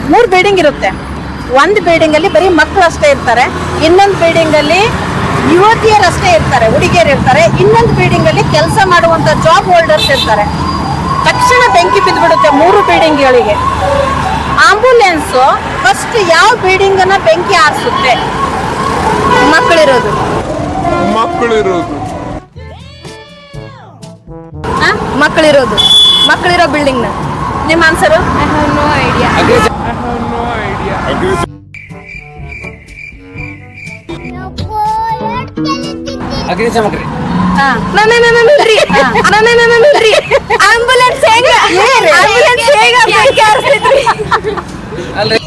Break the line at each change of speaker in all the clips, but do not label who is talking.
3 building ಇರುತ್ತೆ. ಒಂದು building ಅಲ್ಲಿ ಬರೀ ಮಕ್ಕಳು ಅಷ್ಟೇ ಇರ್ತಾರೆ, ಇನ್ನೊಂದು ಬಿಲ್ಡಿಂಗ್ ಅಲ್ಲಿ ಯುವತಿಯರು ಅಷ್ಟೇ ಇರ್ತಾರೆ, ಹುಡುಗಿಯರು ಇರ್ತಾರೆ, ಇನ್ನೊಂದು ಬಿಲ್ಡಿಂಗ್ ಅಲ್ಲಿ ಕೆಲಸ ಮಾಡುವಂತ ಜಾಬ್ ಹೋಲ್ಡರ್ಸ್ ಇರ್ತಾರೆ. ತಕ್ಷಣ ಬೆಂಕಿ ಬಿದ್ದುಬಿಡುತ್ತೆ 3 ಬಿಲ್ಡಿಂಗ್ಗಳಿಗೆ. ಆಂಬುಲೆನ್ಸ್ ಫಸ್ಟ್ ಯಾವ ಬಿಲ್ಡಿಂಗ್ ಅನ್ನ ಬೆಂಕಿ ಆರಿಸುತ್ತೆ?
ಮಕ್ಕಳಿರೋದು ಮಕ್ಕಳಿರೋ ಬಿಲ್ಡಿಂಗ್ ನ.
ನಿಮ್ಮ ಆನ್ಸರು?
No idea.
ಅಗ್ನಿಶಾಮಕ
ಆಂಬುಲೆನ್ಸ್ ಹೇಗ ಬೆಂಕಿ ಹಾರಿಸ್ತಿದ್ರಿ?
ಅಲ್ರಿ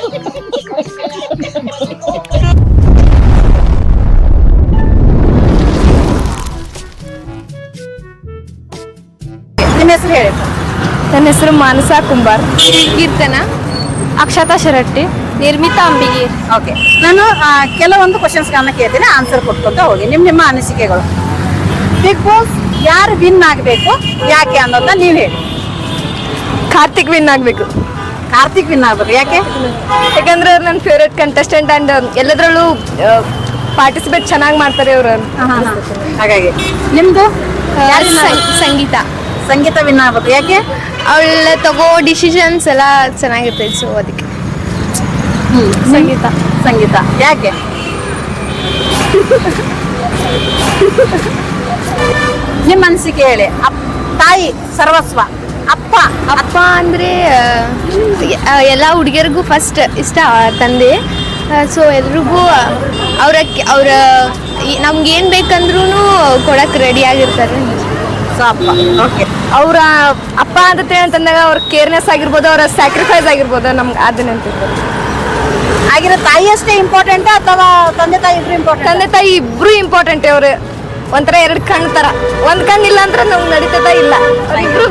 ನಿಮ್ಮ ಹೆಸರು ಹೇಳಿ.
ನನ್ನ ಹೆಸರು ಮಾನಸಾ ಕುಂಬಾರ್. ಕೀರ್ತನ, ಅಕ್ಷತಾ ಶರಟ್ಟಿ, ನಿರ್ಮಿತಾ ಅಂಬಿಗಿ.
ಓಕೆ, ನಾನು ಕೆಲವೊಂದು ಕ್ವಶನ್ಸ್ಗಳನ್ನ ಕೇಳ್ತೀನಿ, ಆನ್ಸರ್ ಕೊಟ್ಕೊಂತ ಹೋಗಿ. ನಿಮ್ಮ ಅನಿಸಿಕೆಗಳು. ಬಿಗ್ ಬಾಸ್ ಯಾರು ವಿನ್ ಆಗಬೇಕು, ಯಾಕೆ ಅನ್ನೋದನ್ನ ನೀವು ಹೇಳಿ.
ಕಾರ್ತಿಕ್ ವಿನ್ ಆಗ್ಬೇಕು.
ಕಾರ್ತಿಕ್ ವಿನ್ ಆಗ್ಬೇಕು, ಯಾಕೆ?
ಯಾಕಂದ್ರೆ ಅವ್ರು ನನ್ನ ಫೇವ್ರೇಟ್ ಕಂಟೆಸ್ಟೆಂಟ್ ಅಂಡ್ ಎಲ್ಲದರಲ್ಲೂ ಪಾರ್ಟಿಸಿಪೇಟ್ ಚೆನ್ನಾಗಿ ಮಾಡ್ತಾರೆ ಅವರು.
ಹಾಗಾಗಿ ನಿಮ್ದು
ಸಂಗೀತ
ಸಂಗೀತ ವಿನ್ ಆಗ್ಬೇಕು, ಯಾಕೆ?
ಅವಳ ತಗೋ ಡಿಸಿಷನ್ಸ್ ಎಲ್ಲ ಚೆನ್ನಾಗಿರ್ತೈತೆ, ಸೊ ಅದಕ್ಕೆ
ಸಂಗೀತ ಯಾಕೆ? ನಿಮ್ಮ ಅನಿಸಿಕೆ ಹೇಳಿ. ತಾಯಿ ಸರ್ವಸ್ವ,
ಅಪ್ಪ ಅಂದ್ರೆ ಎಲ್ಲ ಹುಡುಗಿಯರಿಗೂ ಫಸ್ಟ್ ಇಷ್ಟ ತಂದೆ. ಸೊ ಎಲ್ರಿಗೂ ಅವ್ರ ನಮ್ಗೇನು ಬೇಕಂದ್ರೂ ಕೊಡಕ್ಕೆ ರೆಡಿ ಆಗಿರ್ತಾರೆ.
ಸೊ ಅಪ್ಪ. ಓಕೆ,
ಅವರ ಅಪ್ಪ ಅಂತಂದಾಗ ಅವ್ರ ಕೇರ್ನೆಸ್ ಆಗಿರ್ಬೋದು, ಅವರ ಸ್ಯಾಕ್ರಿಫೈಸ್ ಆಗಿರ್ಬೋದು, ನಮ್ಗೆ ಅದನ್ನ ಅಂತಿರ್ಬೋದು.
ಆಗಿರೋ ತಾಯಿ ಅಷ್ಟೇ ಇಂಪಾರ್ಟೆಂಟ್ ಅಥವಾ ತಂದೆ ತಾಯಿ ಇಬ್ರು ಇಂಪಾರ್ಟೆಂಟ್?
ತಂದೆ ತಾಯಿ ಇಬ್ರು ಇಂಪಾರ್ಟೆಂಟ್. ಅವ್ರು ಒಂಥರ 2 ಕಣ್ಣು ಥರ. ಒಂದು ಕಣ್ಣು ಇಲ್ಲ ಅಂದ್ರೆ ನಮ್ಗೆ ನಡೀತದ ಇಲ್ಲ, ಅವ್ರಿಬ್ರು